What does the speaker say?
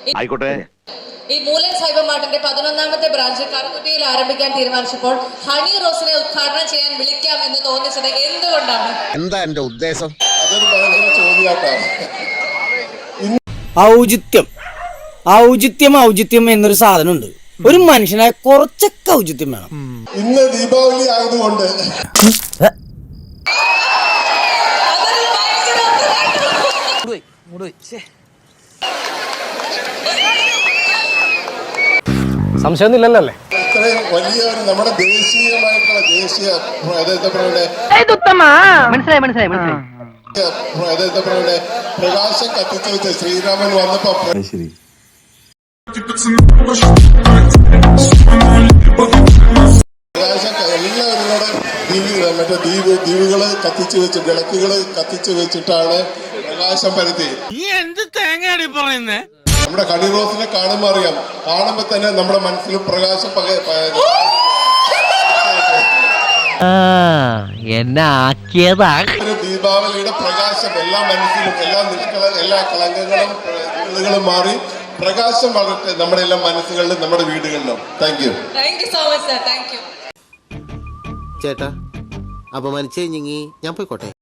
ആയിക്കോട്ടെ. ഈ മൂലൻ സൈബർ മാർട്ടിന്റെ 11ാമത്തെ ബ്രാഞ്ച് കറുകുറ്റിയിൽ ആരംഭിക്കാൻ തീരുമാനിച്ചപ്പോൾ ഹണി റോസിനെ ഉദ്ഘാടനം ചെയ്യാൻ വിളിക്കാം എന്ന് തോന്നിച്ചത് എന്തുകൊണ്ടാണ്? എന്താ എന്റെ ഉദ്ദേശം? അതൊരു ഭയങ്കര ചോദ്യമായിട്ടാണ്. ഔചിത്യം എന്നൊരു സാധനമുണ്ട്. ഒരു മനുഷ്യനായ കുറച്ചൊക്കെ ഔചിത്യം വേണം. ഇന്ന് ദീപാവലി ആയതുകൊണ്ട് സംശയമൊന്നുമില്ലല്ലോ അല്ലേ? ഇത്രയും വലിയ ഒരു നമ്മുടെ ദേശീയമായിട്ടുള്ള പ്രകാശം കത്തിച്ചു വെച്ച ശ്രീരാമൻ വന്നപ്പോ പ്രകാശം എല്ലാവരും കൂടെ മറ്റേ ദ്വീപുകള് കത്തിച്ചു വെച്ച് വിളക്കുകള് കത്തിച്ചു വെച്ചിട്ടാണ് പ്രകാശം പരത്തി. നമ്മുടെ ഹണി റോസിനെ കാണുമ്പോ അറിയാം, കാണുമ്പോ തന്നെ നമ്മുടെ മനസ്സിൽ പ്രകാശം ദീപാവലിയുടെ പ്രകാശം എല്ലാ മനസ്സിലും എല്ലാ കളങ്കങ്ങളും മാറി പ്രകാശം വളരട്ടെ നമ്മുടെ എല്ലാ മനസ്സുകളിലും നമ്മുടെ വീടുകളിലും. Thank you so much sir. Thank you ചേട്ടാ. അപമാനിച്ചേ ഞാൻ പോയിക്കോട്ടെ.